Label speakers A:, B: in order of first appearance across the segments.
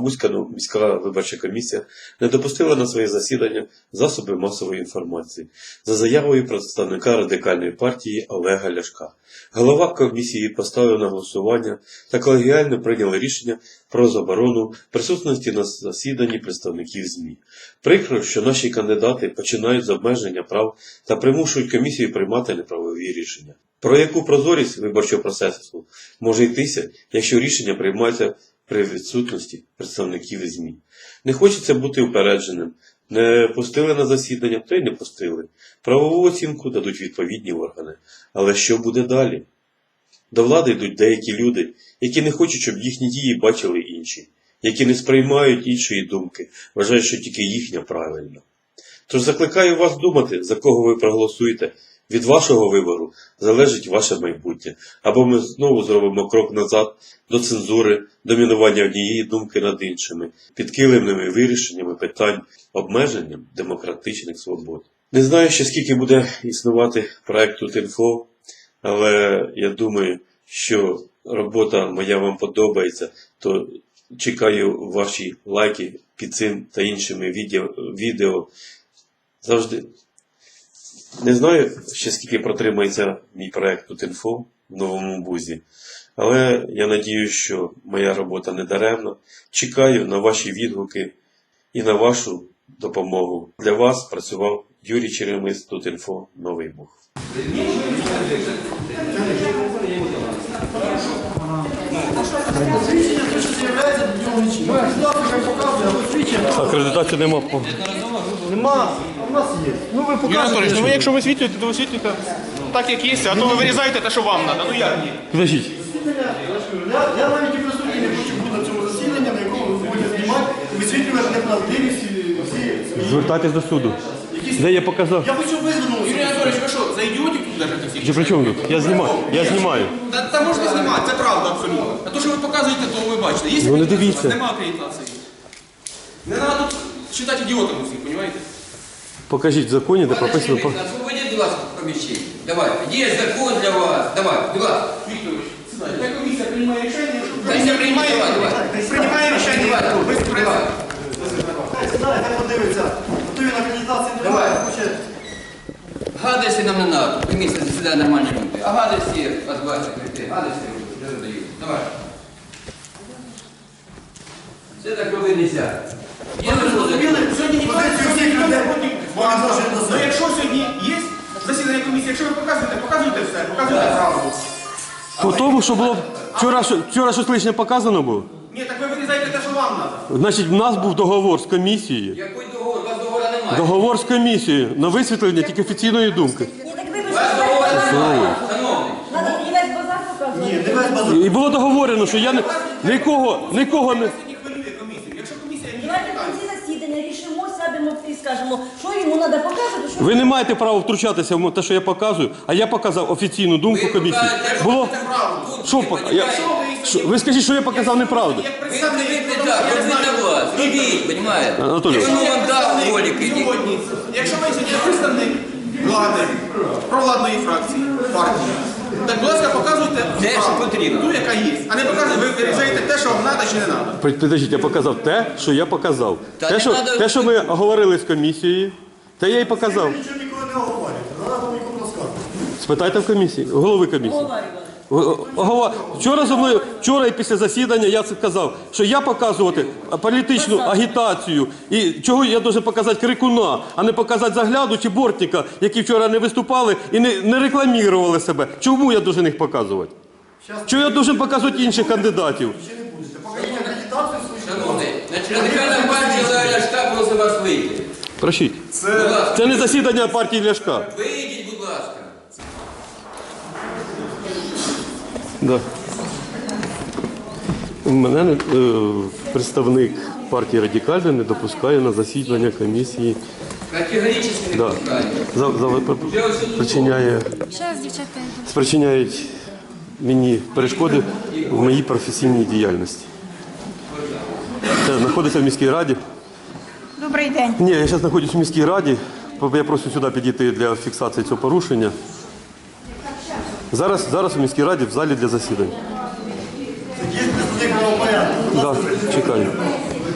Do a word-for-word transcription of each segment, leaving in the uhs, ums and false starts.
A: Бузька міська виборча комісія не допустила на своє засідання засоби масової інформації за заявою представника Радикальної партії Олега Ляшка. Голова комісії поставив на голосування та колегіально прийняли рішення про заборону присутності на засіданні представників ЗМІ. Прикро, що наші кандидати починають з обмеження прав та примушують комісію приймати неправові рішення. Про яку прозорість виборчого процесу може йтися, якщо рішення приймаються при відсутності представників ЗМІ? Не хочеться бути упередженим. Не пустили на засідання, то й не пустили. Правову оцінку дадуть відповідні органи. Але що буде далі? До влади йдуть деякі люди, які не хочуть, щоб їхні дії бачили інші, які не сприймають іншої думки, вважають, що тільки їхня правильна. Тож закликаю вас думати, за кого ви проголосуєте. Від вашого вибору залежить ваше майбутнє. Або ми знову зробимо крок назад до цензури, домінування однієї думки над іншими, підкилимними вирішеннями питань, обмеженням демократичних свобод. Не знаю ще скільки буде існувати проект Тут.Інфо, але я думаю, що робота моя вам подобається, то чекаю ваші лайки під цим та іншими відео. відео. Завжди. Не знаю ще скільки протримається мій проект Тут.Інфо в Новому Бузі, але я надіюсь, що моя робота не даремна. Чекаю на ваші відгуки і на вашу допомогу. Для вас працював Юрій Черемис, Тут.Інфо, Новий Буг. Акредитації нема.
B: Нема, а в нас є. Ну ви показуєте.
C: Ну ви якщо висвітлюєте, то висвітлюєте так, як є, а то ви вирізаєте те, що вам треба. Ну як ні?
A: Подождіть.
B: Я, я навіть і присутній не хочу бути на цьому засіданні, на якому ви будете знімати, висвітлювати неправдивість всі.
A: Звертайтесь до суду. Де я показав?
B: Я хочу визвернути.
C: Юрій Анатолійович, ви що, за ідіотів тут держите всіх?
A: Чи при чому тут? Я знімаю. Я знімаю.
C: Та, та можна знімати, це правда абсолютно. А то, що ви показуєте, то ви бачите. Є
A: Ну, не
C: акредитація?
A: дивіться.
C: Нема акредитації. Не треба тут вважати ідіотами всіх, розумієте?
A: Покажіть в законі, де прописано...
D: Освободите, будь ласка, помещение. Давай, есть закон для вас. Давай, будь ласка.
C: Вікторович, сідайте. Хай комісія приймає рішення, що
D: Комісія приймає, давай, давай.
C: приймає рішення. Ви
D: Давай.
B: Сідає, хай подивиться. Готові на акредитації не
D: Давай.
B: хоче.
D: Гадости нам не надо. Комісія засідає нормальні люди. А гадости вас бачать, гадости не задають. Давай. Все так робити нельзя. Я не
B: Зрозуміли?
C: Сьогодні ніхто
B: Позицію всіх людей проти.
C: Вони можуть до Ну якщо сьогодні є засідання комісії, якщо ви показуєте, показуйте все, показуйте правду.
E: По тому, що було вчора, що- вчора щось лишнє показано було.
C: Ні, так ви вирізаєте те, що вам треба.
E: Значить, в нас був договор з комісією.
D: Який договор? У вас договора немає.
E: Договор з комісією на висвітлення тільки офіційної думки.
F: Ні, так ви
D: У вас договора немає, шановний.
F: Надо і весь базар показувати.
B: Ні, дивись базар.
E: І було договорено, що я не, нікого, нікого не...
C: Сьогодні хвилює комісію. Якщо комісія ні
F: Давайте в кінці засідання рішимо, сядемо і скажемо, що йому треба показувати, що
E: Ви не маєте права втручатися в те, що я показую, а я показав офіційну думку
D: Ви
E: комісії.
D: показуєте,
E: Було...
D: правду.
E: Що, пока- я... що- ви скажіть, що я показав неправду.
C: як
D: Ви
C: представник
D: привикли так, робіть на вас. Робіть, розумієте?
E: Анатолій.
D: Якщо вам дав волі, ідіть.
C: сьогодні, якщо ви сьогодні представник влади, провладної фракції, партії, так, будь ласка, показуйте
D: Те, що
C: правду,
D: потрібно.
C: ту, яка є. А не показуйте, ви вирізаєте те, що вам треба чи не треба.
E: Підождіть, я показав те, що я показав.
D: Та
E: Те,
D: не
E: що,
D: надо-
E: те, що ми говорили з комісією, те я і показав.
B: Нічого ніколи не оговорюєте. Зараз вам нікому розказувати.
E: Спитайте в комісії, голови комісії. Голова, вчора зо мною, вчора і після засідання я це казав, що я показувати політичну агітацію і чого я должен показати крикуна, а не показати загляду чи бортника, які вчора не виступали і не, не рекламували себе. Чому я должен їх показувати? Чого я должен показувати інших кандидатів?
B: Покажіть акредитацію свою.
D: Шановний, значить, радикальна партія Олега Ляшка просить вас вийти.
E: Прощіть.
D: Будь ласка,
E: Це не засідання партії Ляшка.
D: вийдіть, будь ласка.
E: Да. Мене не- е, представник партії Радикальна не допускає на засідання комісії.
D: Категорично не
E: Да.
D: пускаю.
E: За, за, причиняє,
G: Зараз дівчатка йдуть.
E: спричиняють мені перешкоди в моїй професійній діяльності. Це знаходиться в міській раді.
G: Добрий день.
E: Ні, я зараз знаходжусь в міській раді. Я прошу сюди підійти для фіксації цього порушення. Зараз, зараз у міській раді в залі для засідань.
B: Є представник правопорядку.
E: Так, да, чекаю.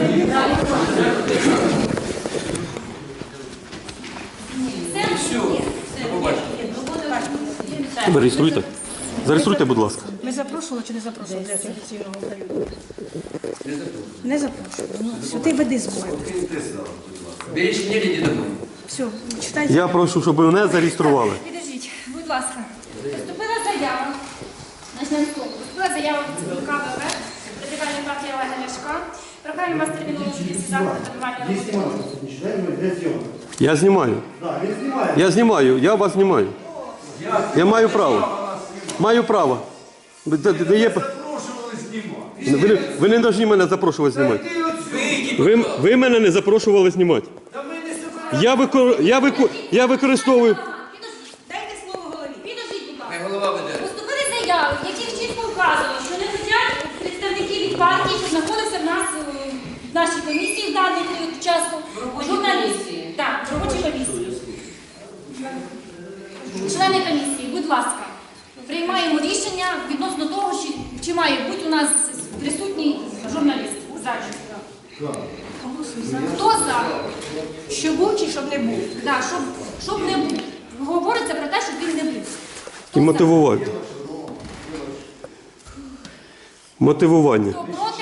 E: Зареєструйте. Зареєструйте, будь ласка.
G: Ми запрошували чи не запрошували для офіційного періоду? Не запрошували. Ну, все, ти веди збори.
D: Ви рішення не домой.
G: Все, читайте.
E: Я прошу, щоб мене зареєстрували.
H: Підождіть, будь ласка. Поступила заява. Почнемо з того. Поступила заява від ЦВК ВВ, Радикальної партії Олега Ляшка. Прохання вас терміново вчитися заходи тренування роботи.
E: Я знімаю. Я знімаю, я вас знімаю. Я маю право. Маю право. Ви, де- де є... ви, не- ви не повинні мене запрошувати знімати. Ви, ви мене не запрошували знімати. Я, викор... я, викор... я використовую.
F: Дайте слово голові.
H: Підождіть, будь ласка.
D: Хай голова веде.
H: Поступили заяви, в яких чітко вказано, що не хотять представники від партії, що знаходився в нас е, в нашій комісії в даний період часу, журналісти. Так, в робочій комісії. Члени комісії, будь ласка, приймаємо рішення відносно того, чи, чи має бути у нас присутній журналіст в залі. Хто за?
G: Що був чи щоб не був?
H: Да, щоб, щоб не був. Говориться про те, щоб він не був.
E: І мотивувати. Мотивування.
H: Хто проти?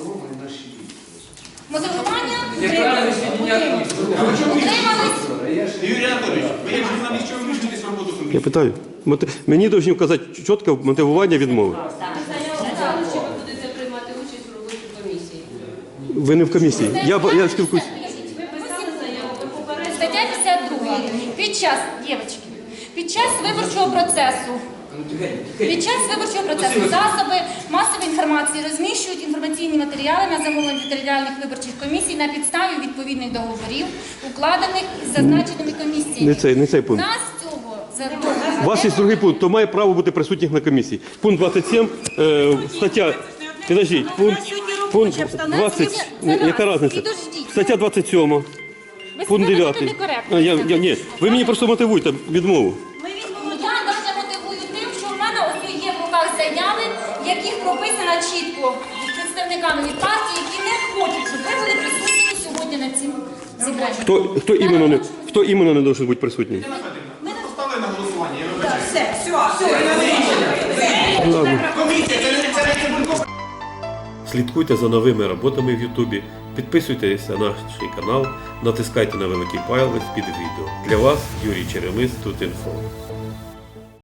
H: Мотивування?
D: Неправильне свідчення.
H: Утримались?
C: Юрій Анатолійович, ви як журналіст, що ви вмішуєтесь в роботу комісії?
E: Я питаю. Моти... Мені повинні вказати чітко мотивування відмови.
I: Чи ви будете приймати участь у роботі комісії?
E: Ви не в комісії. Я, б- я спілкуюсь.
I: Ви писали заяву, ви попереджали?
H: Стаття п'ятдесят два. Під час, дівчатки, під час виборчого процесу, під час виборчого процесу засоби масової інформації розміщують інформаційні матеріали на замовлення територіальних виборчих комісій на підставі відповідних договорів, укладених із зазначеними комісіями.
E: Не цей, не цей пункт.
H: Нас цього
E: У вас є другий пункт, то має право бути присутніх на комісії. Пункт двадцять сім, е, стаття, підождіть, пункт, пункт двадцять, яка різниця? Стаття двадцять сім, пункт дев'ятий. А, я, я, ні, ви мені просто мотивуєте відмову.
H: Я навіть мотивую тим, що в мене ось є в руках заяви, в яких прописано чітко представниками від партії, які не хочуть, щоб ви були присутні сьогодні на цим зібранні.
E: Хто, хто, іменно, не, хто іменно не може бути присутній?
C: Поставили на голосування, я вибачаю.
G: Все, все, все.
E: Ладно.
C: Комісія, це не це не Цибулько.
A: Слідкуйте за новими роботами в Ютубі, підписуйтесь на наш канал, натискайте на великий палець під відео. Для вас Юрій Черемис, Тут інфо.